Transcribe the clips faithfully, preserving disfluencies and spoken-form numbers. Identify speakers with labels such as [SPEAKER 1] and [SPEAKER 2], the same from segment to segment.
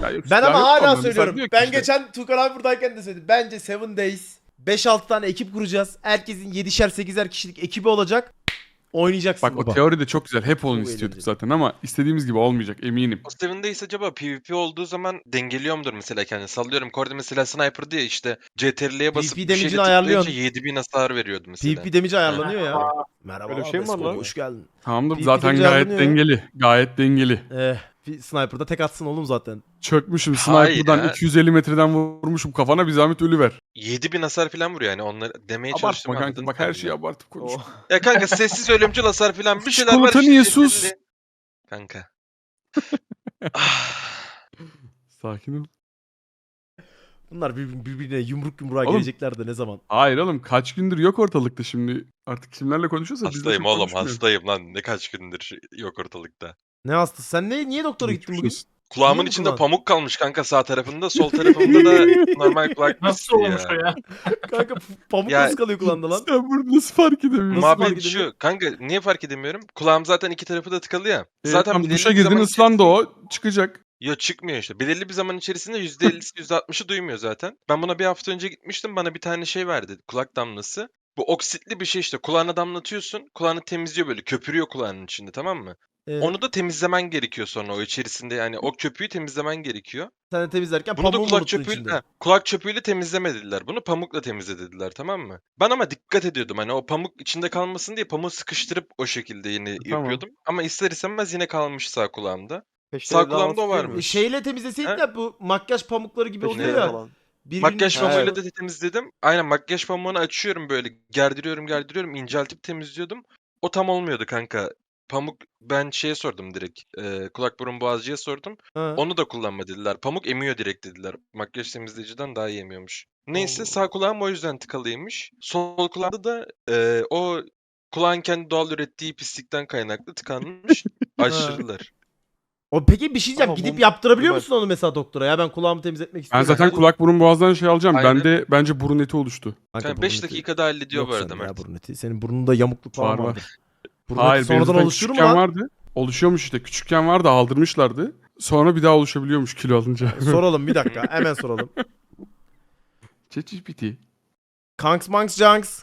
[SPEAKER 1] Ya yok,
[SPEAKER 2] Ben
[SPEAKER 1] silah
[SPEAKER 2] ama
[SPEAKER 1] yok
[SPEAKER 2] hala
[SPEAKER 1] ama
[SPEAKER 2] söylüyorum.
[SPEAKER 1] mesela diyor ki
[SPEAKER 2] Ben
[SPEAKER 1] işte,
[SPEAKER 2] geçen Tukan abi buradayken de söyledim. Bence Seven Days beş altı tane ekip kuracağız. Herkesin yedişer sekizer kişilik ekibi olacak. Oynayacaksın
[SPEAKER 1] bak o
[SPEAKER 2] baba.
[SPEAKER 1] teori de çok güzel. Hep onu
[SPEAKER 2] Çok
[SPEAKER 1] istiyorduk
[SPEAKER 2] eğlenceli.
[SPEAKER 1] zaten ama istediğimiz gibi olmayacak eminim.
[SPEAKER 3] O Seven Days acaba PvP olduğu zaman dengeliyor mudur mesela kendini? Sallıyorum. Kordi mesela sniper diye işte C T R L'ye basıp
[SPEAKER 2] PvP
[SPEAKER 3] bir şeyle
[SPEAKER 2] damage'ini
[SPEAKER 3] tıklayınca
[SPEAKER 2] ayarlıyorsun.
[SPEAKER 3] yedi bin hasar veriyordu mesela.
[SPEAKER 2] PvP damage
[SPEAKER 3] Ha.
[SPEAKER 2] ayarlanıyor ya.
[SPEAKER 4] Öyle
[SPEAKER 2] Merhabalar
[SPEAKER 4] bir şey mi var
[SPEAKER 2] Vesco'da
[SPEAKER 4] lan?
[SPEAKER 2] hoş geldin.
[SPEAKER 1] Tamamdır
[SPEAKER 2] PvP
[SPEAKER 1] zaten
[SPEAKER 2] damage
[SPEAKER 1] gayet
[SPEAKER 2] ayarlanıyor ya.
[SPEAKER 1] dengeli. Gayet dengeli.
[SPEAKER 2] Eh, bir sniper'da tek atsın oğlum zaten.
[SPEAKER 1] Çökmüşüm
[SPEAKER 3] Hayır
[SPEAKER 1] sniper'dan
[SPEAKER 3] ya.
[SPEAKER 1] iki yüz elli metreden vurmuşum kafana, bir zahmet ölüver.
[SPEAKER 3] yedi bin hasar falan vuruyor yani. Onları demeye
[SPEAKER 1] Abartma
[SPEAKER 3] çalıştım,
[SPEAKER 1] kanka,
[SPEAKER 3] anladın
[SPEAKER 1] bak
[SPEAKER 3] sen
[SPEAKER 1] her
[SPEAKER 3] beni.
[SPEAKER 1] şeyi abartıp konuş.
[SPEAKER 4] Oh.
[SPEAKER 3] Ya kanka sessiz ölümcül hasar falan bir şeyler var
[SPEAKER 1] Çikolata
[SPEAKER 3] işte.
[SPEAKER 1] niye
[SPEAKER 3] C T R L.
[SPEAKER 1] sus?
[SPEAKER 3] Kanka. Ah.
[SPEAKER 1] Sakin ol.
[SPEAKER 2] Bunlar bir- birbirine yumruk yumruğa
[SPEAKER 1] Oğlum.
[SPEAKER 2] gelecekler de ne zaman?
[SPEAKER 1] Hayır oğlum, kaç gündür yok ortalıkta şimdi. Artık kimlerle konuşuyorsa biz de
[SPEAKER 3] Hastayım
[SPEAKER 1] çok
[SPEAKER 3] oğlum
[SPEAKER 1] konuşmuyoruz.
[SPEAKER 3] hastayım lan. Ne kaç gündür şey- yok ortalıkta.
[SPEAKER 2] Ne hastası? Sen ne, niye doktora
[SPEAKER 1] Geçmiş
[SPEAKER 2] gittin bugün?
[SPEAKER 1] olsun.
[SPEAKER 3] Kulağımın
[SPEAKER 2] mu
[SPEAKER 3] içinde
[SPEAKER 2] kulağın?
[SPEAKER 3] pamuk kalmış kanka sağ tarafında. Sol tarafımda da normal kulak
[SPEAKER 4] Nasıl
[SPEAKER 3] pisliği
[SPEAKER 4] olmuş o ya?
[SPEAKER 2] Kanka p- pamuk
[SPEAKER 3] Ya-
[SPEAKER 2] nasıl kalıyor kulağında lan?
[SPEAKER 1] Sen bunu nasıl fark edemiyorsun?
[SPEAKER 2] Nasıl fark
[SPEAKER 3] Muhabbet
[SPEAKER 2] edemiyorum?
[SPEAKER 3] şu. Kanka niye fark edemiyorum? Kulağım zaten iki tarafı da tıkalı ya.
[SPEAKER 1] E,
[SPEAKER 3] Zaten
[SPEAKER 1] tam
[SPEAKER 3] belirli
[SPEAKER 1] duşa
[SPEAKER 3] bir
[SPEAKER 1] girdin
[SPEAKER 3] zaman
[SPEAKER 1] ıslandı
[SPEAKER 3] içerisinde-
[SPEAKER 1] o, çıkacak.
[SPEAKER 3] Yo çıkmıyor işte. Belirli bir zaman içerisinde yüzde ellisi yüzde altmışı duymuyor zaten. Ben buna bir hafta önce gitmiştim. Bana bir tane şey verdi. Kulak damlası. Bu oksitli bir şey işte. Kulağına damlatıyorsun. Kulağını temizliyor böyle. Köpürüyor kulağının içinde, tamam mı?
[SPEAKER 2] Evet.
[SPEAKER 3] Onu da temizlemen gerekiyor sonra o içerisinde. Yani o köpüğü temizlemen gerekiyor.
[SPEAKER 2] Sen de temizlerken
[SPEAKER 3] Bunu da
[SPEAKER 2] pamuğu mu
[SPEAKER 3] kulak
[SPEAKER 2] unuttun
[SPEAKER 3] çöpüyle,
[SPEAKER 2] içinde?
[SPEAKER 3] ha, kulak çöpüyle temizleme dediler. Bunu pamukla temizle dediler, tamam mı? Ben ama dikkat ediyordum. Hani o pamuk içinde kalmasın diye pamuğu sıkıştırıp o şekilde yine
[SPEAKER 1] Tamam.
[SPEAKER 3] yapıyordum. Ama ister istemez yine kalmış sağ kulağımda.
[SPEAKER 4] Peşte
[SPEAKER 3] Sağ
[SPEAKER 4] evde
[SPEAKER 3] kulağımda
[SPEAKER 4] damat
[SPEAKER 3] o
[SPEAKER 4] tutuyor
[SPEAKER 3] varmış.
[SPEAKER 2] E,
[SPEAKER 4] muyuz?
[SPEAKER 2] Şeyle temizleseydin
[SPEAKER 3] He?
[SPEAKER 2] de bu makyaj pamukları gibi
[SPEAKER 4] Peşte
[SPEAKER 2] oluyor
[SPEAKER 4] evde
[SPEAKER 2] ya.
[SPEAKER 4] falan.
[SPEAKER 2] Birbirinin
[SPEAKER 3] Makyaj
[SPEAKER 2] içine-
[SPEAKER 3] pamuğuyla da temizledim. Aynen makyaj pamuğunu açıyorum böyle. Gerdiriyorum gerdiriyorum. inceltip temizliyordum. O tam olmuyordu kanka. Pamuk ben şeye sordum direkt. E, kulak burun boğazcıya sordum.
[SPEAKER 2] Ha.
[SPEAKER 3] Onu da kullanma dediler. Pamuk emiyor direkt dediler. Makyaj temizleyiciden daha iyi emiyormuş. Neyse
[SPEAKER 2] Allah
[SPEAKER 3] sağ kulağım o yüzden tıkalıymış. Sol kulağımda da e, o kulağın kendi doğal ürettiği pislikten kaynaklı tıkanmış. Açtırdılar.
[SPEAKER 2] O peki bir şey diyeceğim.
[SPEAKER 4] Ama
[SPEAKER 2] Gidip
[SPEAKER 4] bu-
[SPEAKER 2] yaptırabiliyor
[SPEAKER 4] bu-
[SPEAKER 2] musun onu mesela doktora? Ya ben kulağımı temizletmek
[SPEAKER 1] Ben
[SPEAKER 2] istiyorum.
[SPEAKER 1] zaten
[SPEAKER 3] Bu-
[SPEAKER 1] kulak burun boğazdan şey alacağım.
[SPEAKER 3] Aynen.
[SPEAKER 1] Bende bence burun eti oluştu.
[SPEAKER 2] Kanka,
[SPEAKER 3] Yani
[SPEAKER 2] burun
[SPEAKER 3] beş
[SPEAKER 2] eti-
[SPEAKER 3] dakikada hallediyor
[SPEAKER 2] Yok
[SPEAKER 3] bu arada
[SPEAKER 2] sende ya
[SPEAKER 3] Mert.
[SPEAKER 2] burun eti. Senin burnunda yamukluk falan
[SPEAKER 1] Var, var.
[SPEAKER 2] vardır. Burun
[SPEAKER 1] Hayır,
[SPEAKER 2] eti
[SPEAKER 1] benim
[SPEAKER 2] sonradan
[SPEAKER 1] zaten
[SPEAKER 2] oluşur mu
[SPEAKER 1] küçükken
[SPEAKER 2] lan?
[SPEAKER 1] vardı. Oluşuyormuş işte. Küçükken vardı, aldırmışlardı. Sonra bir daha oluşabiliyormuş kilo alınca.
[SPEAKER 2] Soralım bir dakika. Hemen soralım.
[SPEAKER 1] ChatGPT.
[SPEAKER 2] Kanks Manks Junks.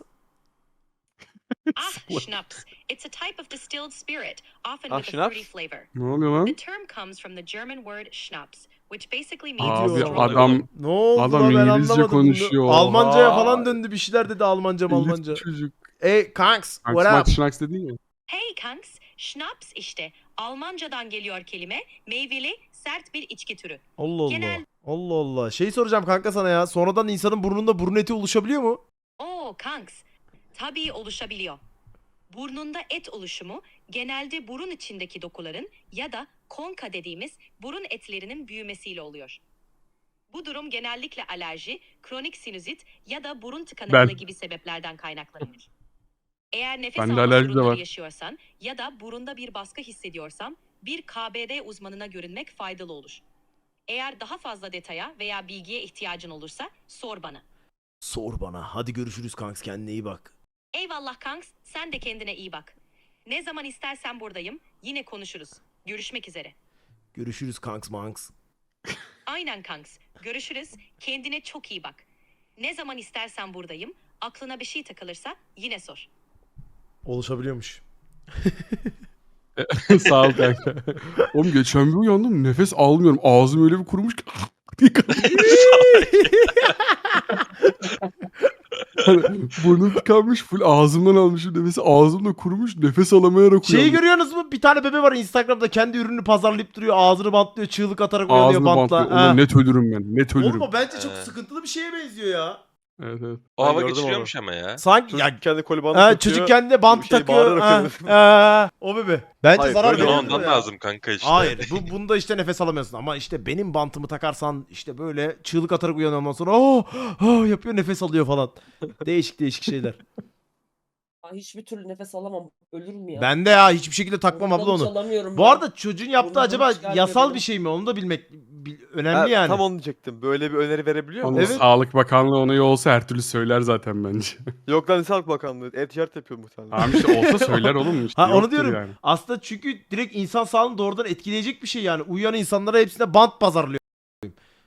[SPEAKER 5] Ah, schnapps. It's a type of distilled spirit, often
[SPEAKER 4] Ah,
[SPEAKER 5] with a
[SPEAKER 4] schnapps?
[SPEAKER 5] fruity flavor.
[SPEAKER 1] Ne oluyor lan?
[SPEAKER 5] The term comes from the German word Schnaps, which basically
[SPEAKER 2] Ne
[SPEAKER 5] means
[SPEAKER 1] Abi
[SPEAKER 2] diyor
[SPEAKER 5] stronger.
[SPEAKER 1] adam
[SPEAKER 2] Ne oldu
[SPEAKER 1] Adam
[SPEAKER 2] lan ben
[SPEAKER 1] İngilizce
[SPEAKER 2] anlamadım.
[SPEAKER 1] konuşuyor,
[SPEAKER 2] Bunu. Almancaya
[SPEAKER 1] oha.
[SPEAKER 2] falan döndü. Bir şeyler dedi Almanca Almanca.
[SPEAKER 1] Elif çocuk.
[SPEAKER 2] Ey Kanks,
[SPEAKER 1] Kanks
[SPEAKER 2] what
[SPEAKER 1] Max
[SPEAKER 2] up?
[SPEAKER 1] Schnax dedin ya.
[SPEAKER 5] Hey Kanks, Schnaps işte. Almancadan geliyor kelime, meyveli, sert bir içki türü.
[SPEAKER 2] Allah Allah.
[SPEAKER 5] Genel-
[SPEAKER 2] Allah Allah. Şey soracağım kanka sana ya. Sonradan insanın burnunda burun eti oluşabiliyor mu?
[SPEAKER 5] Oo Kanks, tabii oluşabiliyor. Burnunda et oluşumu genelde burun içindeki dokuların ya da konka dediğimiz burun etlerinin büyümesiyle oluyor. Bu durum genellikle alerji, kronik sinüzit ya da burun tıkanıklığı
[SPEAKER 1] Ben.
[SPEAKER 5] gibi sebeplerden kaynaklanır. Eğer nefes
[SPEAKER 1] Bende
[SPEAKER 5] alma
[SPEAKER 1] alerji de
[SPEAKER 5] sorunları
[SPEAKER 1] var.
[SPEAKER 5] yaşıyorsan ya da burunda bir baskı hissediyorsan bir K B D uzmanına görünmek faydalı olur. Eğer daha fazla detaya veya bilgiye ihtiyacın olursa sor bana.
[SPEAKER 2] Sor bana. Hadi görüşürüz Kanks. Kendine iyi bak.
[SPEAKER 5] Eyvallah Kanks, sen de kendine iyi bak. Ne zaman istersen buradayım, yine konuşuruz. Görüşmek üzere.
[SPEAKER 2] Görüşürüz Kanks Manks.
[SPEAKER 5] Aynen Kanks, görüşürüz, kendine çok iyi bak. Ne zaman istersen buradayım, aklına bir şey takılırsa yine sor.
[SPEAKER 2] Oluşabiliyormuş.
[SPEAKER 1] Sağ ol kanka. Oğlum geçen bir uyandım, nefes almıyorum. Ağzım öyle bir kurumuş ki. diye kapanıyor. Hani burnum tıkanmış, full ağzımdan almışım nefesi. Ağzımda kurumuş, nefes alamayarak
[SPEAKER 2] Şeyi
[SPEAKER 1] uyandım.
[SPEAKER 2] görüyorsunuz mu? Bir tane bebe var Instagram'da kendi ürününü pazarlayıp duruyor. Ağzını bantlıyor, çığlık atarak uyanıyor
[SPEAKER 1] Ağzını
[SPEAKER 2] bantla.
[SPEAKER 1] bantlıyor.
[SPEAKER 2] Ha.
[SPEAKER 1] Ulan net ölürüm ben, net ölürüm.
[SPEAKER 2] Oğlum o bence çok
[SPEAKER 3] Ee.
[SPEAKER 2] sıkıntılı bir şeye benziyor ya.
[SPEAKER 1] Evet evet.
[SPEAKER 3] O
[SPEAKER 4] Ben
[SPEAKER 3] hava
[SPEAKER 4] gördüm
[SPEAKER 3] geçiriyormuş ama ya.
[SPEAKER 2] Sanki
[SPEAKER 4] Çocuk
[SPEAKER 2] ya
[SPEAKER 4] kendi koli bandı
[SPEAKER 2] ha,
[SPEAKER 4] takıyor.
[SPEAKER 2] çocuk kendine bant
[SPEAKER 4] bir şey
[SPEAKER 2] takıyor.
[SPEAKER 4] bağırarak
[SPEAKER 2] Ha,
[SPEAKER 4] uyanıyor.
[SPEAKER 2] ha, o bebe. Bence
[SPEAKER 4] Hayır,
[SPEAKER 2] zarar
[SPEAKER 4] böyle
[SPEAKER 2] veriyor.
[SPEAKER 3] Bana ondan
[SPEAKER 2] ya.
[SPEAKER 3] lazım kanka işte.
[SPEAKER 2] Hayır bu, bunda işte nefes alamıyorsun ama işte benim bantımı takarsan işte böyle çığlık atarak uyanıyor ondan sonra oh, oh yapıyor nefes alıyor falan. Değişik değişik şeyler.
[SPEAKER 6] Ay, hiçbir türlü nefes alamam. Ölürüm ya.
[SPEAKER 2] Ben de ya hiçbir şekilde takmam abla
[SPEAKER 6] Burnumdan
[SPEAKER 2] onu.
[SPEAKER 6] çalamıyorum
[SPEAKER 2] Bu
[SPEAKER 6] ben.
[SPEAKER 2] arada çocuğun yaptığı
[SPEAKER 6] Burnumdan
[SPEAKER 2] acaba
[SPEAKER 6] çıkarmıyor
[SPEAKER 2] yasal
[SPEAKER 6] benim.
[SPEAKER 2] bir şey mi? Onu da bilmek bil- önemli
[SPEAKER 4] Ha,
[SPEAKER 2] yani.
[SPEAKER 4] Tam onu diyecektim. Böyle bir öneri verebiliyor mu?
[SPEAKER 1] Onun
[SPEAKER 2] Evet.
[SPEAKER 1] Sağlık Bakanlığı onayı olsa her türlü söyler zaten bence.
[SPEAKER 4] Yok lan Sağlık Bakanlığı. E-ticaret yapıyor muhtemelen.
[SPEAKER 1] Tamam işte olsa söyler oğlum işte.
[SPEAKER 2] Ha onu
[SPEAKER 1] yoktur
[SPEAKER 2] diyorum.
[SPEAKER 1] Yani.
[SPEAKER 2] Aslında çünkü direkt insan sağlığını doğrudan etkileyecek bir şey yani. Uyuyan insanlara hepsine bant pazarlıyor.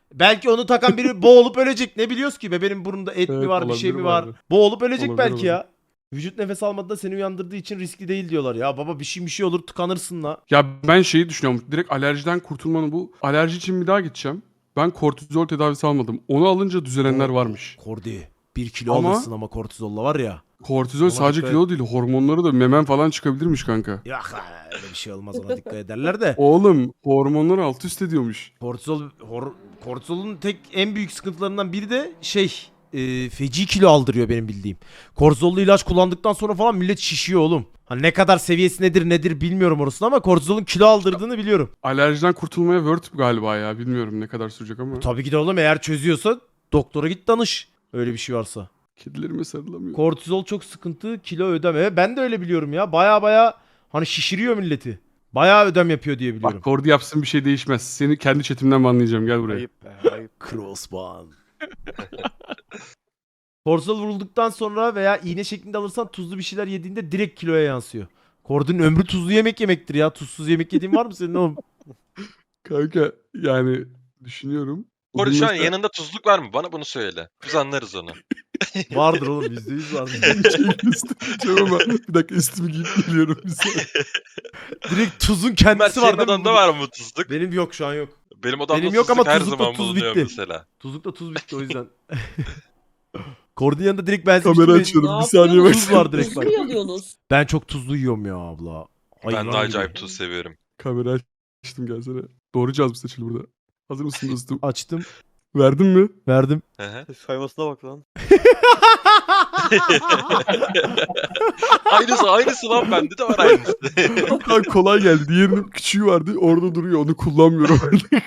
[SPEAKER 2] Belki onu takan biri boğulup ölecek. Ne biliyoruz ki be, benim burnumda et mi
[SPEAKER 1] Evet,
[SPEAKER 2] var, bir şey
[SPEAKER 1] olabilir
[SPEAKER 2] mi
[SPEAKER 1] bu
[SPEAKER 2] var?
[SPEAKER 1] arada.
[SPEAKER 2] Boğulup ölecek
[SPEAKER 1] Olabilir,
[SPEAKER 2] belki
[SPEAKER 1] olabilir.
[SPEAKER 2] ya. Vücut nefes almadığında seni uyandırdığı için riskli değil diyorlar. Ya baba bir şey bir şey olur tıkanırsın la.
[SPEAKER 1] Ya ben şeyi düşünüyorum. Direkt alerjiden kurtulmanın bu. Alerji için bir daha gideceğim. Ben kortizol tedavisi almadım. Onu alınca düzelenler varmış.
[SPEAKER 2] Kordi. Bir kilo
[SPEAKER 1] Ama-
[SPEAKER 2] alırsın ama kortizolla var ya.
[SPEAKER 1] Kortizol
[SPEAKER 2] Ona
[SPEAKER 1] sadece
[SPEAKER 2] dikkat
[SPEAKER 1] kilo değil. Hormonları da memen falan çıkabilirmiş kanka.
[SPEAKER 2] Yok ha, öyle bir şey olmaz, ona dikkat ederler de.
[SPEAKER 1] Oğlum hormonları alt üst ediyormuş.
[SPEAKER 2] Kortizol, hor, kortizolun tek en büyük sıkıntılarından biri de şey e, feci kilo aldırıyor benim bildiğim. Kortizollu ilaç kullandıktan sonra falan millet şişiyor oğlum. Hani ne kadar seviyesi nedir nedir bilmiyorum orasını ama kortizolun kilo aldırdığını biliyorum.
[SPEAKER 1] Alerjiden kurtulmaya Word galiba ya. Bilmiyorum ne kadar sürecek ama.
[SPEAKER 2] Tabii ki de oğlum, eğer çözüyorsa doktora git danış. Öyle bir şey varsa.
[SPEAKER 1] Kedilerime sarılamıyor.
[SPEAKER 2] Kortizol çok sıkıntı, kilo ödeme. Ben de öyle biliyorum ya. Baya baya hani şişiriyor milleti. Baya ödem yapıyor diye biliyorum.
[SPEAKER 1] Bak Kordi yapsın bir şey değişmez. Seni kendi chatimden banlayacağım. Gel buraya.
[SPEAKER 4] Ayıp be ayıp.
[SPEAKER 2] Crossband. Kortizol vurulduktan sonra veya iğne şeklinde alırsan tuzlu bir şeyler yediğinde direkt kiloya yansıyor. Kordinin ömrü tuzlu yemek yemektir ya. Tuzsuz yemek yediğin var mı senin oğlum?
[SPEAKER 1] Kanka yani düşünüyorum.
[SPEAKER 3] Orada
[SPEAKER 1] Bugün
[SPEAKER 3] şu an
[SPEAKER 1] mesela-
[SPEAKER 3] yanında tuzluk var mı? Bana bunu söyle. Biz anlarız onu.
[SPEAKER 2] Vardır oğlum, yüzde yüz vardır.
[SPEAKER 1] Şeyin üstüne gideceğim ama bir dakika üstümü giyip geliyorum bir saniye.
[SPEAKER 2] Direkt tuzun
[SPEAKER 3] Mert
[SPEAKER 2] kendisi var
[SPEAKER 3] senin
[SPEAKER 2] değil mi?
[SPEAKER 3] odanda var mı tuzluk?
[SPEAKER 2] Benim yok, şu an yok.
[SPEAKER 3] Benim odamda
[SPEAKER 2] Benim yok
[SPEAKER 3] tuzluk
[SPEAKER 2] ama
[SPEAKER 3] her
[SPEAKER 2] tuzlukla
[SPEAKER 3] zaman
[SPEAKER 2] tuz
[SPEAKER 3] bulunuyor
[SPEAKER 2] bitti.
[SPEAKER 3] mesela.
[SPEAKER 2] Tuzlukla tuz bitti o yüzden. Kordinin yanında direkt ben
[SPEAKER 1] Kamera
[SPEAKER 2] seçtim.
[SPEAKER 1] açıyorum.
[SPEAKER 6] Ne
[SPEAKER 1] Bir saniye
[SPEAKER 6] yapıyorsunuz?
[SPEAKER 2] Tuz var direkt
[SPEAKER 6] Tuz
[SPEAKER 2] bak.
[SPEAKER 6] mu yalıyorsunuz?
[SPEAKER 2] Ben çok tuzlu yiyorum ya abla. Hayvan
[SPEAKER 3] Ben de acayip
[SPEAKER 2] gibi.
[SPEAKER 3] tuz seviyorum.
[SPEAKER 1] Kamera açtım gelsene. Doğru cihaz mı seçili burada? Hazır mısın dostum?
[SPEAKER 2] Açtım.
[SPEAKER 1] Verdin mi?
[SPEAKER 2] Verdim.
[SPEAKER 3] Hı hı.
[SPEAKER 4] Saymasına bak lan.
[SPEAKER 3] aynısı aynısı lan, bende de var aynısı.
[SPEAKER 1] Lan kolay geldi. Diğerinin küçüğü vardı. Orada duruyor. Onu kullanmıyorum.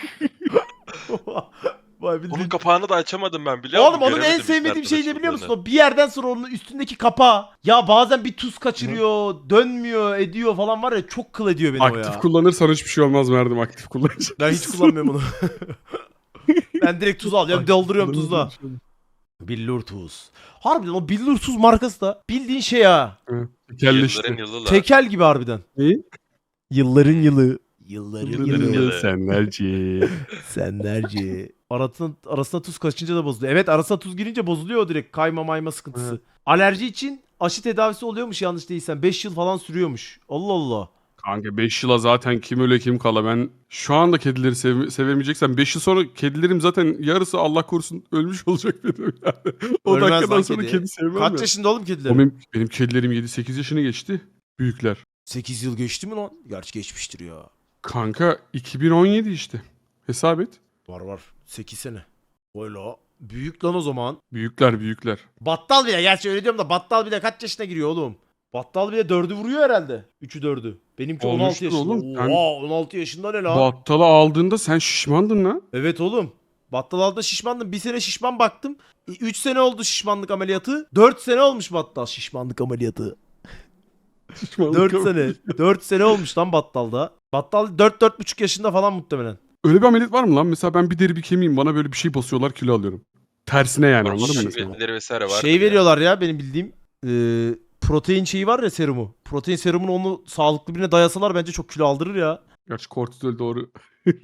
[SPEAKER 2] Vay
[SPEAKER 3] Onun
[SPEAKER 2] bildiğin.
[SPEAKER 3] kapağını da açamadım ben, biliyor musun?
[SPEAKER 2] Oğlum onun en
[SPEAKER 3] Göremedim
[SPEAKER 2] sevmediğim
[SPEAKER 3] hiç
[SPEAKER 2] şey
[SPEAKER 3] nerede
[SPEAKER 2] ne biliyor musun?
[SPEAKER 3] açıldığını.
[SPEAKER 2] O bir yerden sonra onun üstündeki kapağı. Ya bazen bir tuz kaçırıyor, dönmüyor, ediyor falan var ya, çok kıl ediyor beni o
[SPEAKER 1] Aktif
[SPEAKER 2] ya.
[SPEAKER 1] kullanırsan hiçbir şey olmaz Merdim. Aktif kullanırsan.
[SPEAKER 2] Ben hiç kullanmıyorum onu. Ben direkt tuz alıyorum, dolduruyorum tuzla. Billur tuz. Harbiden o Billur tuz markası da bildiğin şey ha.
[SPEAKER 3] Yılların
[SPEAKER 1] Kelleşti.
[SPEAKER 3] yılı la.
[SPEAKER 2] Tekel gibi harbiden.
[SPEAKER 1] Neyi?
[SPEAKER 2] Yılların yılı. Yılların
[SPEAKER 3] Yılların yılı.
[SPEAKER 1] Senlerce.
[SPEAKER 2] Senlerce. Arasına, arasına tuz kaçınca da bozuluyor. Evet, arasına tuz girince bozuluyor o direkt. Kayma mayma sıkıntısı.
[SPEAKER 1] Evet.
[SPEAKER 2] Alerji için aşı tedavisi oluyormuş yanlış değilsem. beş yıl falan sürüyormuş. Allah Allah.
[SPEAKER 1] Kanka beş yıla zaten kim öyle kim kala. Ben şu anda kedileri sev sevemeyeceksem beş yıl sonra kedilerim zaten yarısı Allah korusun ölmüş olacak benim yani. O
[SPEAKER 2] Ölmez
[SPEAKER 1] dakikadan
[SPEAKER 2] lan
[SPEAKER 1] sonra
[SPEAKER 2] kedi.
[SPEAKER 1] kedi, sevmem
[SPEAKER 2] Kaç
[SPEAKER 1] ya.
[SPEAKER 2] yaşında oğlum
[SPEAKER 1] O
[SPEAKER 2] kedilerin?
[SPEAKER 1] benim, benim kedilerim yedi sekiz yaşını geçti. Büyükler.
[SPEAKER 2] sekiz yıl geçti mi lan? Gerçi geçmiştir ya.
[SPEAKER 1] Kanka iki bin on yedi işte. Hesap et.
[SPEAKER 2] Var var. sekiz sene. Öyle. Büyük lan o zaman.
[SPEAKER 1] Büyükler büyükler.
[SPEAKER 2] Battal bile, gerçi öyle diyorum da Battal bile kaç yaşına giriyor oğlum? Battal bile dördü vuruyor herhalde. üçü dördü. Benimki on altı
[SPEAKER 1] Olmuştur
[SPEAKER 2] yaşında.
[SPEAKER 1] oğlum.
[SPEAKER 2] Oha,
[SPEAKER 1] Sen-
[SPEAKER 2] on altı yaşında ne lan?
[SPEAKER 1] Battalı aldığında sen şişmandın lan.
[SPEAKER 2] Evet oğlum. Battal aldı şişmandım. Bir sene şişman baktım. üç sene oldu şişmanlık ameliyatı. dört sene olmuş Battal şişmanlık ameliyatı.
[SPEAKER 1] Şişmanlık
[SPEAKER 2] dört
[SPEAKER 1] ama-
[SPEAKER 2] sene. dört sene olmuş lan Battal'da. Battal dört dört buçuk yaşında falan muhtemelen.
[SPEAKER 1] Öyle bir ameliyat var mı lan? Mesela ben bir deri bir kemiğim. Bana böyle bir şey basıyorlar kilo alıyorum. Tersine yani
[SPEAKER 3] Var,
[SPEAKER 1] anladın mı
[SPEAKER 3] şu
[SPEAKER 1] mesela?
[SPEAKER 3] verileri vesaire var.
[SPEAKER 2] Şey veriyorlar ya benim bildiğim. e, protein şeyi var ya, serumu. Protein serumunu onu sağlıklı birine dayasalar bence çok kilo aldırır ya.
[SPEAKER 1] Gerçi kortizol doğru.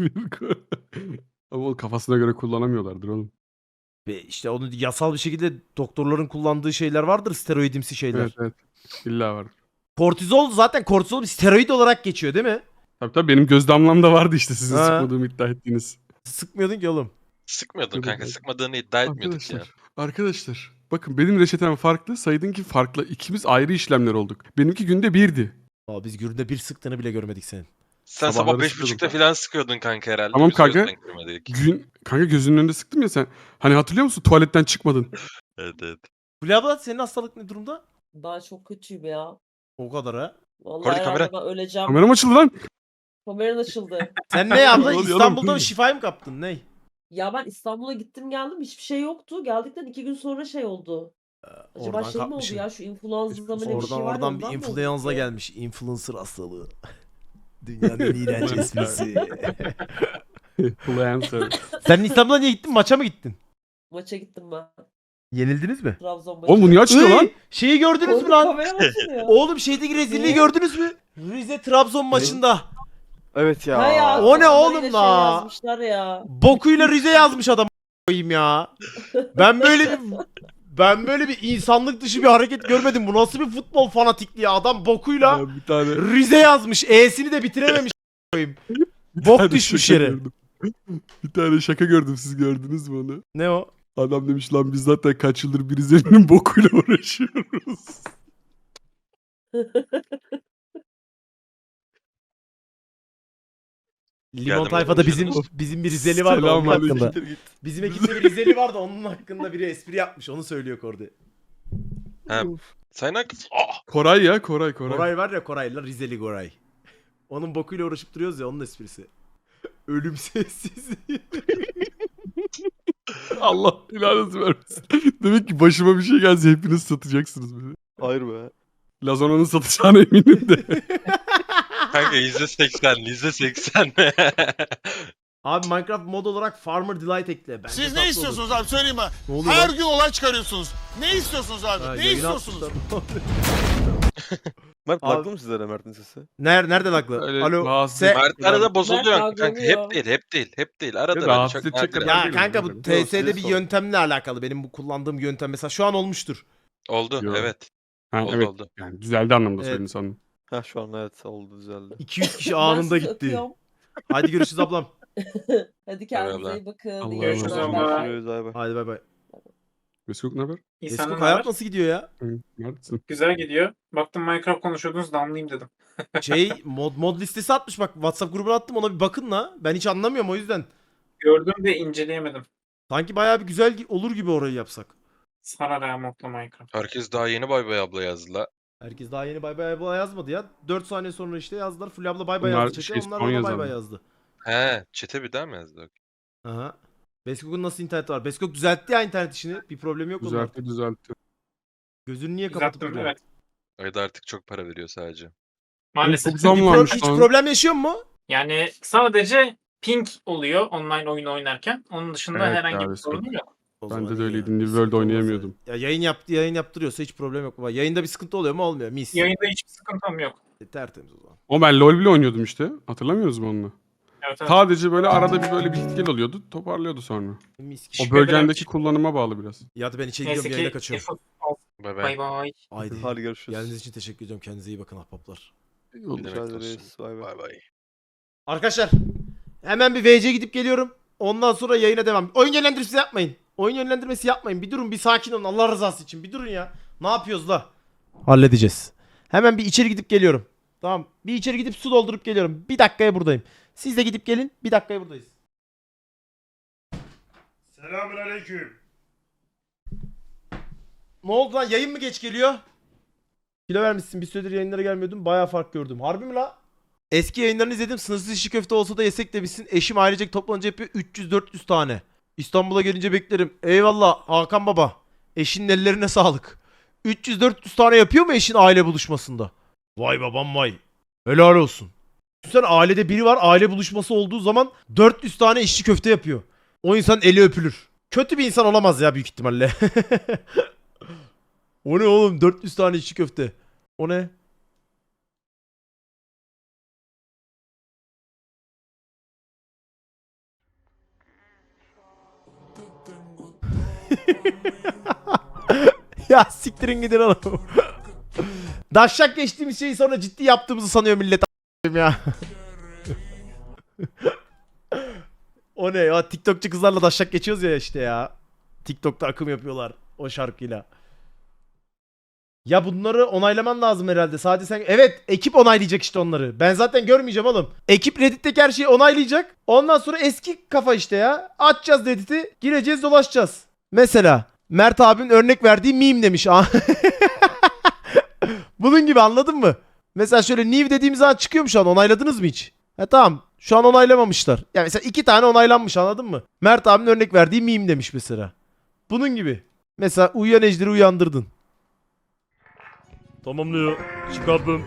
[SPEAKER 1] Ama o kafasına göre kullanamıyorlardır oğlum.
[SPEAKER 2] Ve işte onu yasal bir şekilde doktorların kullandığı şeyler vardır. Steroidimsi şeyler.
[SPEAKER 1] Evet evet. İlla var.
[SPEAKER 2] Kortizol zaten kortizol bir steroid olarak geçiyor değil mi?
[SPEAKER 1] Tabii tabii benim göz damlamda vardı işte sizin
[SPEAKER 2] Ha.
[SPEAKER 1] sıkmadığımı iddia ettiğiniz.
[SPEAKER 2] Sıkmıyordun ki oğlum.
[SPEAKER 3] Sıkmıyordun
[SPEAKER 1] Evet,
[SPEAKER 3] kanka,
[SPEAKER 1] evet.
[SPEAKER 3] sıkmadığını iddia etmiyorduk ya.
[SPEAKER 1] Arkadaşlar, arkadaşlar bakın benim reçetem farklı, Said'inki farklı. İkimiz ayrı işlemler olduk. Benimki günde birdi.
[SPEAKER 2] Aa, biz günde bir sıktığını bile görmedik senin.
[SPEAKER 3] Sen
[SPEAKER 1] Sabahları
[SPEAKER 3] sabah beş
[SPEAKER 1] sıkıyordum
[SPEAKER 3] buçukta
[SPEAKER 1] kanka.
[SPEAKER 3] falan sıkıyordun kanka herhalde.
[SPEAKER 1] Tamam
[SPEAKER 3] Biz o yüzden
[SPEAKER 1] kanka.
[SPEAKER 3] görmedik.
[SPEAKER 1] Gün kanka gözünün önünde sıktım ya sen. Hani hatırlıyor musun tuvaletten çıkmadın.
[SPEAKER 3] Evet evet.
[SPEAKER 2] Fulya abla senin hastalık ne durumda?
[SPEAKER 6] Ben çok kötüyüm ya.
[SPEAKER 2] O kadar ha.
[SPEAKER 6] Vallahi
[SPEAKER 3] Kordi,
[SPEAKER 6] herhalde
[SPEAKER 3] kamera.
[SPEAKER 6] ben öleceğim.
[SPEAKER 1] Kameram açıldı lan.
[SPEAKER 6] Kameran açıldı.
[SPEAKER 2] Sen ne abla?
[SPEAKER 1] Ne oluyor
[SPEAKER 2] İstanbul'da
[SPEAKER 1] oğlum?
[SPEAKER 2] mı şifayı mı kaptın? Ne?
[SPEAKER 6] Ya ben İstanbul'a gittim geldim, hiçbir şey yoktu. Geldikten iki gün sonra şey oldu. Acaba
[SPEAKER 2] Oradan
[SPEAKER 6] şey mi oldu
[SPEAKER 2] kapmışsın.
[SPEAKER 6] ya, şu influenza mı ne bir
[SPEAKER 2] Oradan
[SPEAKER 6] şey var ya,
[SPEAKER 2] oradan
[SPEAKER 6] ondan
[SPEAKER 2] bir
[SPEAKER 6] mı oldu
[SPEAKER 2] influenza
[SPEAKER 6] ki?
[SPEAKER 2] gelmiş. Influencer hastalığı. Dünyanın en iğrenç esprisi.
[SPEAKER 1] Influencer.
[SPEAKER 2] Sen İstanbul'a niye gittin? Maça mı gittin?
[SPEAKER 6] Maça gittim ben.
[SPEAKER 2] Yenildiniz mi?
[SPEAKER 6] Trabzon maçı.
[SPEAKER 1] Oğlum bu niye açılıyor lan?
[SPEAKER 2] Iy, şeyi gördünüz mü
[SPEAKER 6] Kordi
[SPEAKER 2] lan?
[SPEAKER 6] kamera açılıyor.
[SPEAKER 2] Oğlum şeydeki rezilliği
[SPEAKER 6] Ne?
[SPEAKER 2] gördünüz mü? Rize Trabzon maçında.
[SPEAKER 4] Evet ya.
[SPEAKER 6] Ha ya,
[SPEAKER 2] O ne
[SPEAKER 6] kafalarıyla
[SPEAKER 2] oğlum
[SPEAKER 6] şey
[SPEAKER 2] la?
[SPEAKER 6] yazmışlar ya.
[SPEAKER 2] Bokuyla Rize yazmış adam koyayım ya. Ben böyle bir ben böyle bir insanlık dışı bir hareket görmedim. Bu nasıl bir futbol fanatikliği? Adam bokuyla
[SPEAKER 1] Ben bir tane,
[SPEAKER 2] Rize yazmış. E'sini de bitirememiş koyayım.
[SPEAKER 1] bir
[SPEAKER 2] Bok
[SPEAKER 1] tane
[SPEAKER 2] düşmüş
[SPEAKER 1] şaka
[SPEAKER 2] yere.
[SPEAKER 1] gördüm. Bir tane şaka gördüm, siz gördünüz mü onu?
[SPEAKER 2] Ne o?
[SPEAKER 1] Adam demiş lan biz zaten kaç yıldır bir Rize'nin bokuyla uğraşıyoruz.
[SPEAKER 2] Limon
[SPEAKER 3] Geldim
[SPEAKER 2] tayfada
[SPEAKER 3] oğlum,
[SPEAKER 2] bizim
[SPEAKER 3] canım.
[SPEAKER 2] bizim bir Rizeli vardı onun
[SPEAKER 1] Selamünaleyküm.
[SPEAKER 2] hakkında.
[SPEAKER 4] Git.
[SPEAKER 2] Bizim ekipte bir Rizeli vardı onun hakkında biri espri yapmış. Onu söylüyor Kordi.
[SPEAKER 3] Ha. Sayın Akif. Ah!
[SPEAKER 1] Koray ya, Koray Koray.
[SPEAKER 2] Koray var ya Koray'la Rizeli Koray. Onun bokuyla uğraşıp duruyoruz ya onun esprisi. Ölüm sessizliği.
[SPEAKER 1] Allah ilanınızı vermesin. Demek ki başıma bir şey gelse hepiniz satacaksınız beni.
[SPEAKER 4] Hayır be.
[SPEAKER 1] Lazona'nın satacağına eminim de.
[SPEAKER 3] Kanka yüzde seksen, yüzde seksen.
[SPEAKER 2] Abi Minecraft mod olarak Farmer Delight ekle. Bence
[SPEAKER 7] Siz
[SPEAKER 2] tatlı
[SPEAKER 7] ne
[SPEAKER 2] olur.
[SPEAKER 7] istiyorsunuz abi söyleyeyim mi?
[SPEAKER 2] Ne oluyor
[SPEAKER 7] Her
[SPEAKER 2] lan?
[SPEAKER 7] gün olay çıkarıyorsunuz. Ne istiyorsunuz abi?
[SPEAKER 2] Ha,
[SPEAKER 7] ne
[SPEAKER 2] yayını
[SPEAKER 7] istiyorsunuz?
[SPEAKER 2] atmışlar.
[SPEAKER 4] Mert
[SPEAKER 2] Abi-
[SPEAKER 4] baktın mı sizlere Mert'in sesi?
[SPEAKER 2] Ner nereden haklı?
[SPEAKER 1] Öyle
[SPEAKER 2] Alo.
[SPEAKER 1] rahatsız-
[SPEAKER 2] Se-
[SPEAKER 3] Mert arada bozuluyor
[SPEAKER 6] Mert
[SPEAKER 3] kanka.
[SPEAKER 6] dalgalanıyor.
[SPEAKER 3] Hep değil, hep değil, hep değil. Arada
[SPEAKER 1] Ya
[SPEAKER 3] böyle
[SPEAKER 1] rahatsız
[SPEAKER 3] çok
[SPEAKER 1] edecek
[SPEAKER 3] nadiren.
[SPEAKER 1] kadar-
[SPEAKER 2] Ya
[SPEAKER 1] Değilim,
[SPEAKER 2] kanka bu
[SPEAKER 1] değilim.
[SPEAKER 2] T S'de
[SPEAKER 4] Yok,
[SPEAKER 2] bir
[SPEAKER 4] siz
[SPEAKER 2] yöntemle alakalı. Benim bu kullandığım yöntem mesela şu an olmuştur.
[SPEAKER 3] Oldu,
[SPEAKER 1] Yo.
[SPEAKER 3] evet.
[SPEAKER 1] Ha,
[SPEAKER 3] Oldu,
[SPEAKER 1] evet.
[SPEAKER 3] oldu.
[SPEAKER 1] Yani düzeldi anlamda
[SPEAKER 2] Evet.
[SPEAKER 1] söyledin sandım.
[SPEAKER 4] Ha şu an evet oldu düzeldi.
[SPEAKER 2] iki yüz kişi
[SPEAKER 6] Ben
[SPEAKER 2] anında
[SPEAKER 6] sizi
[SPEAKER 2] gitti.
[SPEAKER 6] öpüyorum.
[SPEAKER 2] Hadi görüşürüz ablam.
[SPEAKER 6] Hadi kendinize
[SPEAKER 3] Eyvallah.
[SPEAKER 6] iyi bakın.
[SPEAKER 1] Allah'a
[SPEAKER 6] İyi
[SPEAKER 1] emanet
[SPEAKER 6] geceler.
[SPEAKER 1] olun.
[SPEAKER 6] Bay bay.
[SPEAKER 4] Görüşürüz bay bay.
[SPEAKER 2] Hadi bay bay.
[SPEAKER 1] Mesut ne haber?
[SPEAKER 8] İyi
[SPEAKER 2] Eskok
[SPEAKER 8] senden
[SPEAKER 2] hayat
[SPEAKER 8] haber?
[SPEAKER 2] nasıl gidiyor ya?
[SPEAKER 1] Hı, neredesin?
[SPEAKER 8] Güzel gidiyor. Baktım Minecraft konuşuyordunuz da anlayayım dedim.
[SPEAKER 2] Şey mod mod listesi atmış bak WhatsApp grubuna attım ona bir bakın la. Ben hiç anlamıyorum o yüzden.
[SPEAKER 8] Gördüm de inceleyemedim.
[SPEAKER 2] Sanki bayağı bir güzel gi- olur gibi orayı yapsak.
[SPEAKER 8] Sarar ya modla Minecraft.
[SPEAKER 3] Herkes daha yeni bay bay abla yazdı la.
[SPEAKER 2] Herkes daha yeni bay bay abla yazmadı ya. dört saniye sonra işte yazdılar. Full abla bay bay
[SPEAKER 1] Bunlar
[SPEAKER 2] yazdı. Çete.
[SPEAKER 1] şey,
[SPEAKER 2] Onlar
[SPEAKER 1] son
[SPEAKER 2] ona bay
[SPEAKER 1] yazarlar.
[SPEAKER 2] bay yazdı.
[SPEAKER 3] He, çete bir daha mı yazdı?
[SPEAKER 2] Aha. Beskok'un nasıl interneti var? Beskok düzeltti ya internet işini. Bir problem yok onun
[SPEAKER 1] Düzeltti
[SPEAKER 2] artık.
[SPEAKER 1] düzeltti.
[SPEAKER 2] Gözünü niye kapatıp
[SPEAKER 8] Düzelttim
[SPEAKER 2] duruyor?
[SPEAKER 8] evet.
[SPEAKER 3] Ayda artık çok para veriyor sadece.
[SPEAKER 8] Maalesef.
[SPEAKER 1] Çok zam
[SPEAKER 2] Bir pro-
[SPEAKER 1] varmış
[SPEAKER 2] hiç
[SPEAKER 1] lan.
[SPEAKER 2] problem yaşıyor mu?
[SPEAKER 8] Yani sadece ping oluyor online oyun oynarken. Onun dışında
[SPEAKER 1] Evet
[SPEAKER 8] herhangi
[SPEAKER 1] ya,
[SPEAKER 8] bir sorun yok.
[SPEAKER 2] O
[SPEAKER 1] Bende
[SPEAKER 2] zaman
[SPEAKER 1] de
[SPEAKER 2] iyi
[SPEAKER 1] öyleydi.
[SPEAKER 2] ya.
[SPEAKER 1] New
[SPEAKER 2] Bir
[SPEAKER 1] World
[SPEAKER 2] sıkıntı olmaz
[SPEAKER 1] oynayamıyordum.
[SPEAKER 2] Ya yayın yaptı yayın yaptırıyorsa hiç problem yok. Baba. Yayında bir sıkıntı oluyor mu? Olmuyor. Mis.
[SPEAKER 8] Yayında hiçbir sıkıntım yok.
[SPEAKER 2] E, tertemiz o zaman.
[SPEAKER 1] O ben LoL bile oynuyordum işte. Hatırlamıyorsunuz mu onu?
[SPEAKER 8] Evet, evet.
[SPEAKER 1] Sadece böyle arada bir böyle bir git gel oluyordu. Toparlıyordu sonra.
[SPEAKER 2] Mis.
[SPEAKER 1] O
[SPEAKER 8] Teşekkür
[SPEAKER 1] bölgendeki
[SPEAKER 8] ederim.
[SPEAKER 1] kullanıma bağlı biraz.
[SPEAKER 2] Ya da ben içeri
[SPEAKER 8] Neyse
[SPEAKER 2] gidiyorum yayına
[SPEAKER 8] ki
[SPEAKER 2] kaçıyorum.
[SPEAKER 8] Efo-
[SPEAKER 3] Bay bay.
[SPEAKER 8] Bay bay.
[SPEAKER 2] Haydi.
[SPEAKER 4] Hadi görüşürüz.
[SPEAKER 2] Geldiğiniz için teşekkür ediyorum. Kendinize iyi bakın ahbaplar.
[SPEAKER 1] İyi oldu.
[SPEAKER 3] Bir demek
[SPEAKER 4] Rica
[SPEAKER 3] olsun.
[SPEAKER 4] ederiz. Bay bay.
[SPEAKER 3] Bay bay.
[SPEAKER 2] Arkadaşlar hemen bir V C gidip geliyorum. Ondan sonra yayına devam. Oyun yönlendirmesi yapmayın. Oyun yönlendirmesi yapmayın. Bir durun bir sakin olun Allah rızası için. Bir durun ya. Ne yapıyoruz la? Halledeceğiz. Hemen bir içeri gidip geliyorum. Tamam. Bir içeri gidip su doldurup geliyorum. Bir dakikaya buradayım. Siz de gidip gelin. Bir dakikaya buradayız. Selamünaleyküm. Ne oldu lan? Yayın mı geç geliyor? Kilo vermişsin. Bir süredir yayınlara gelmiyordum. Bayağı fark gördüm. Harbi mi la? Eski yayınlarını izledim. Sınırsız işi köfte olsa da yesek demişsin. Eşim ailecek toplanınca yapıyor üç yüz dört yüz tane. İstanbul'a gelince beklerim. Eyvallah Hakan baba. Eşinin ellerine sağlık. üç yüz dört yüz tane yapıyor mu eşin aile buluşmasında? Vay babam vay. Helal olsun. Sen ailede biri var aile buluşması olduğu zaman dört yüz tane işçi köfte yapıyor. O insan eli öpülür. Kötü bir insan olamaz ya büyük ihtimalle. O ne oğlum dört yüz tane işçi köfte. O ne? Ya siktirin gidin oğlum. Daşşak geçtiğimiz şeyi sonra ciddi yaptığımızı sanıyor millet a**ayım ya. O ne ya TikTokçu kızlarla daşşak geçiyoruz ya işte ya. TikTok'ta akım yapıyorlar o şarkıyla. Ya bunları onaylaman lazım herhalde. Sadece sen... Evet ekip onaylayacak işte onları. Ben zaten görmeyeceğim oğlum. Ekip Reddit'teki her şeyi onaylayacak. Ondan sonra eski kafa işte ya. Açacağız Reddit'i. Gireceğiz dolaşacağız. Mesela Mert abinin örnek verdiği meme demiş. Bunun gibi anladın mı? Mesela şöyle new dediğimiz zaman çıkıyor mu şu an? Onayladınız mı hiç? Ha tamam. Şu an onaylamamışlar. Yani mesela iki tane onaylanmış anladın mı? Mert abinin örnek verdiği meme demiş mesela. Bunun gibi. Mesela uyuyan ejderi uyandırdın. Tamamlıyor. Çıkardım.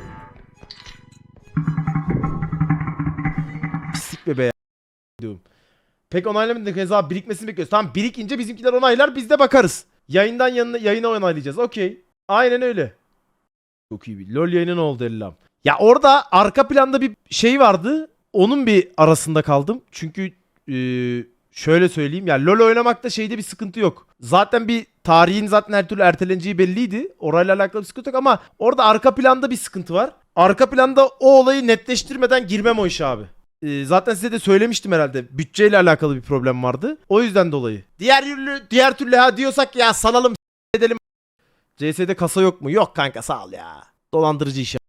[SPEAKER 2] Pislik be be diyorum. Pek onaylamadık. Hesabı birikmesini bekliyoruz. Tamam birikince bizimkiler onaylar biz de bakarız. Yayından yanına, yayına onaylayacağız. Okey. Aynen öyle. Çok iyi bir. LoL yayını ne oldu Ellam? Ya orada arka planda bir şey vardı. onun bir arasında kaldım. Çünkü e, şöyle söyleyeyim ya, LoL oynamakta şeyde bir sıkıntı yok. Zaten bir tarihin zaten her türlü erteleneceği belliydi. Orayla alakalı bir sıkıntı yok ama orada arka planda bir sıkıntı var. Arka planda o olayı netleştirmeden girmem o işe abi. Ee, zaten size de söylemiştim herhalde. Bütçeyle alakalı bir problem vardı. O yüzden dolayı. Diğer türlü diğer türlü ha diyorsak ya salalım s- edelim. C S'de kasa yok mu? Yok kanka, sağ ol ya. Dolandırıcı iş.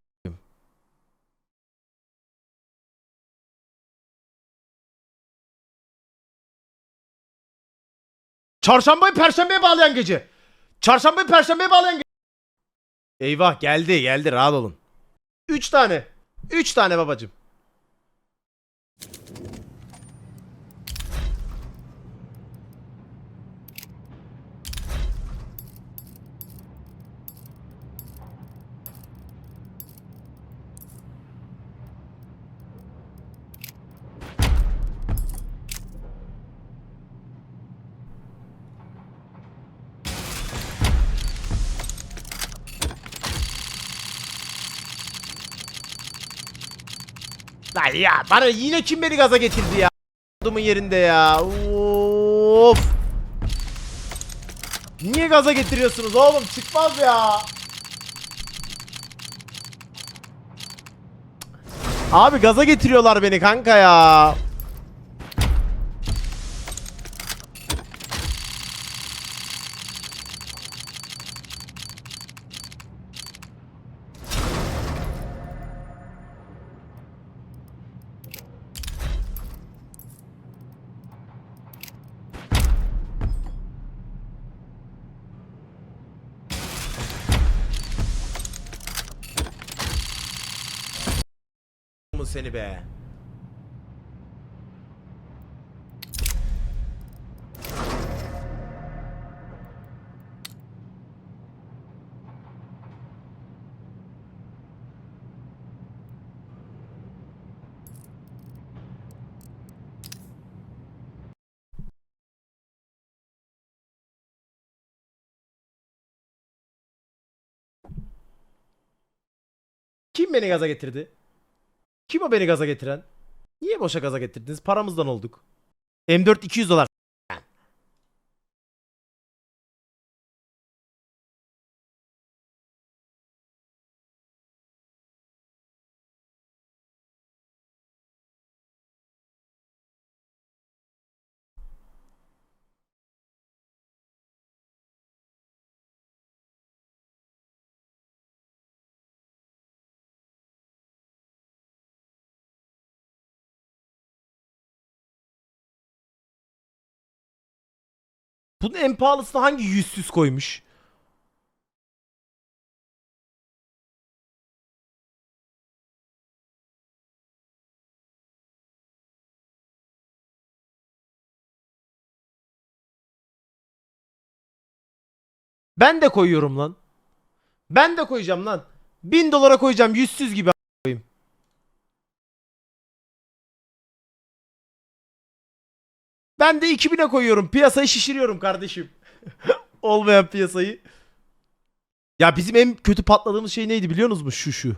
[SPEAKER 2] Çarşambayı perşembeye bağlayan gece. Çarşambayı perşembeye bağlayan gece. Eyvah, geldi geldi, rahat olun. Üç tane. Üç tane babacım. Lan ya, bana yine kim beni gaza getirdi ya? Adamın yerinde ya. Of. Niye gaza getiriyorsunuz oğlum? Çıkmaz ya. Abi gaza getiriyorlar beni kanka ya. Seni be. Kim beni gaza getirdi? Kim o beni gaza getiren? Niye boşa gaza getirdiniz? Paramızdan olduk. M dört iki yüz dolar. Bunun en pahalısını hangi yüzsüz koymuş? Ben de koyuyorum lan. Ben de koyacağım lan. Bin dolara koyacağım yüzsüz gibi a- koyayım. Ben de iki bine koyuyorum. Piyasayı şişiriyorum kardeşim. Olmayan piyasayı. Ya bizim en kötü patladığımız şey neydi biliyor musunuz? Şu şu.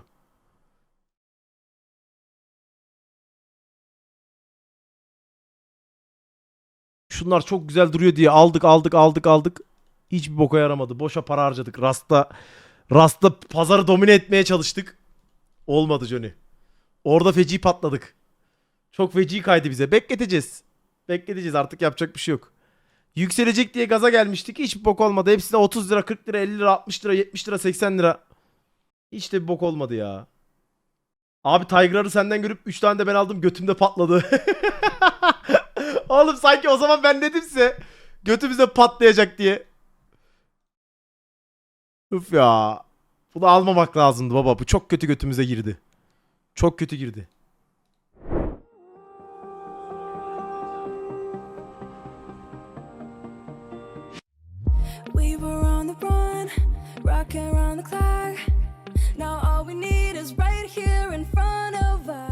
[SPEAKER 2] Şunlar çok güzel duruyor diye aldık aldık aldık aldık. Hiçbir boka yaramadı. Boşa para harcadık. Rast'ta Rast'ta pazarı domine etmeye çalıştık. Olmadı Johnny. Orada feci patladık. Çok feci kaydı bize. Bekleteceğiz. Bekleteceğiz, artık yapacak bir şey yok. Yükselecek diye gaza gelmiştik. Hiçbir bok olmadı. Hepsine otuz lira, kırk lira, elli lira, altmış lira, yetmiş lira, seksen lira. Hiç de bir bok olmadı ya. Abi Tiger'ı senden görüp üç tane de ben aldım, götümde patladı. Oğlum sanki o zaman ben dedimse götümüzde patlayacak diye. Üf ya. Bunu almamak lazımdı baba. Bu çok kötü götümüze girdi. Çok kötü girdi.
[SPEAKER 9] We were on the run, rocking around the clock. Now all we need is right here in front of us.